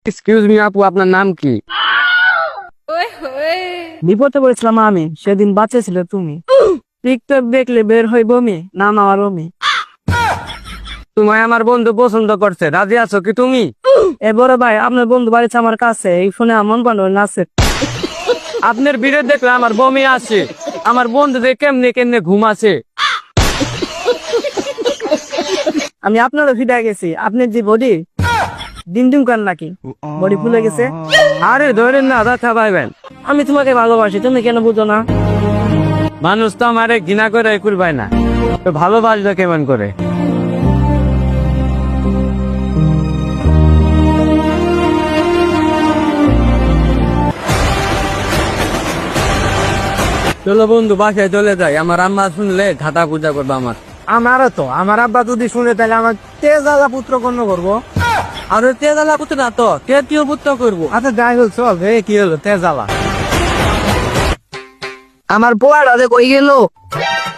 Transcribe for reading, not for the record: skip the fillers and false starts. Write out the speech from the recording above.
Excuse me আপু, আপনার নাম কি? বিপদে পড়েছিলাম আমি, সেদিন বাঁচেছিল তুমি। টিকটক দেখলে বের হই বমি, নাম আমার অমি। তোমায় আমার বন্ধু পছন্দ করছে, রাজি আছো কি তুমি? এ বড় ভাই, আপনার বন্ধু বাড়িতে আমার কাছে, এই ফোনে আমন পান্ড নাচে। আপনার ভিডিও দেখলে আমার বমি আসে, আমার বন্ধুদের কেমনে কেমনে ঘুম আসে। আমি আপনারও ফিদা গেছি, আপনার যে বডি ডিম ডিম করেন নাকি, বডি ফুলে গেছে। আরে ধরেন না, ব্যথা পাইবেন। আমি তোমাকে ভালোবাসি, তুমি কেন বুঝো না? মানুষ তো আমারে ঘৃণা করে একুল পায় না, তো ভালোবাসবে কেমন করে? চলো বন্ধু, বাসায় চলে যাই, আমার আম্মা শুনলে ঘাটা পূজা করবে আমার। আমারও তো, আমার আব্বা যদি শুনে তাহলে আমার তেজালা পুত্র গণ্য করবো। আর তেজালা পুত্র না তো তেতীয় পুত্র করবো। আচ্ছা যাই হোক, চল রে, কি হলো তেজালা? আমার পোয়াটা কই গেল?